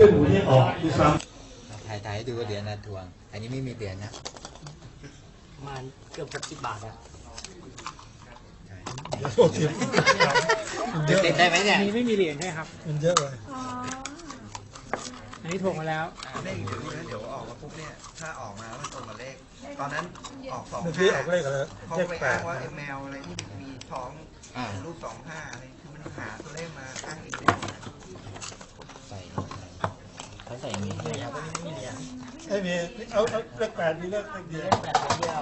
เป็นหมูที่ออกดูซ้ถ่ายให้ดูเหรียญนะทวง อันนี้ไม่มีเหรียญนะประมาณเกือบ60 บาทอะำโทษทีมันเยอะเด็ดได้ไหมเนี่ยอันนี้ไม่มีเหรียญใช่ครับมันเยอะเลยอันนี้ถ่วงมาแล้วเลขอยู่นี่นะเดี๋ยวออกมาปุ๊บเนี่ยถ้าออกมาแล้วมันตรงกับเลขตอนนั้นออก2 เมื่อกี้ออกเลขอะไรเขาเลขไปแปอ้าดงว่าแมวอะไรที่มีท้องอ่ารูป25อะไรคือมันหาตัวเลขมาอ้างอิงใส่เขาใส่อย่างนี้ใช่ไหมครับไม่มีเอาเลขแปดมีเลขเดียวแบบเดียว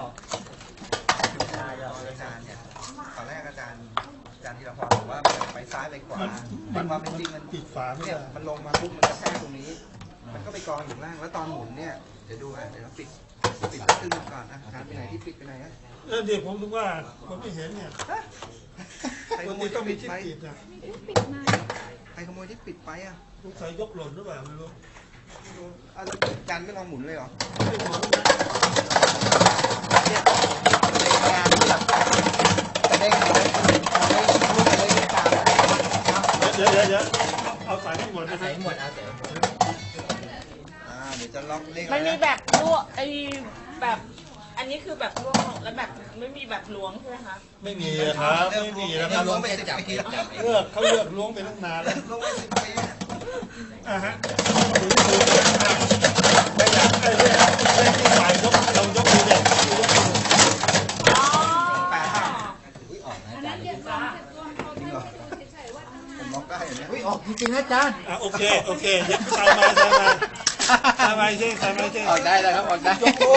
อาจารย์เนี่ยตอนแรกอาจารย์ธีรพรบอกว่าไปซ้ายไปขวาแต่ความเป็นจริงมันปิดฝาไม่เนี่ยได้มันลงมาปุ๊บมันกระแทกตรงนี้ มันก็ไปกองอยู่ล่างแล้วตอนหมุนเนี่ยเดี๋ยวดูอ่ะเดี๋ยวปิดตึ้งก่อนอ่ะอาจารย์ไปไหนที่ปิดไปไหนอ่ะแล้วเดี๋ยวผมถึงว่าผมไม่เห็นเนี่ยใครปขกโมติยต้ที่องมีปิดที่ไปปิดนะใครขโมยที่ปิดไปอ่ะสงสัยยกหล่นหรือเปล่าไม่รู้อาจารย์ไม่ลองหมุนเลยเหรอไม่หมุนเนี่ยในงานที่แบบเด้งเอาได้ลูกไปเลยตามเดี๋ยวเอาสายให้หมดนะคใส่รับหมดเอาใส่หมดเดี๋ยวจะล็อกเลขมันมีแบบลวกไอ้แบบอันนี้คือแบบลวกแล้วแบบไม่มีแบบล้วงใช่ไหมคะไม่มีครับไม่มีนะคถ้ารับล้วงไป10 ปีแล้วเขาเลือกล้วงไปตั้งนานแล้วล้วงไป10 ปีเนี่ยอ่ะฮะถึงไม่อยากไอ้เรื่องไอ้ที่ฝ่ายยกเรายกมือเด็กยกมืออ๋ออุ้ยออกนะอาจารย์จริงเหรอผมล็อกได้อย่างเนี้ยอุ้ยออกจริงๆนะอาจารย์โอเคเย็บใส่มาใช่ออกได้แล้วครับออกได้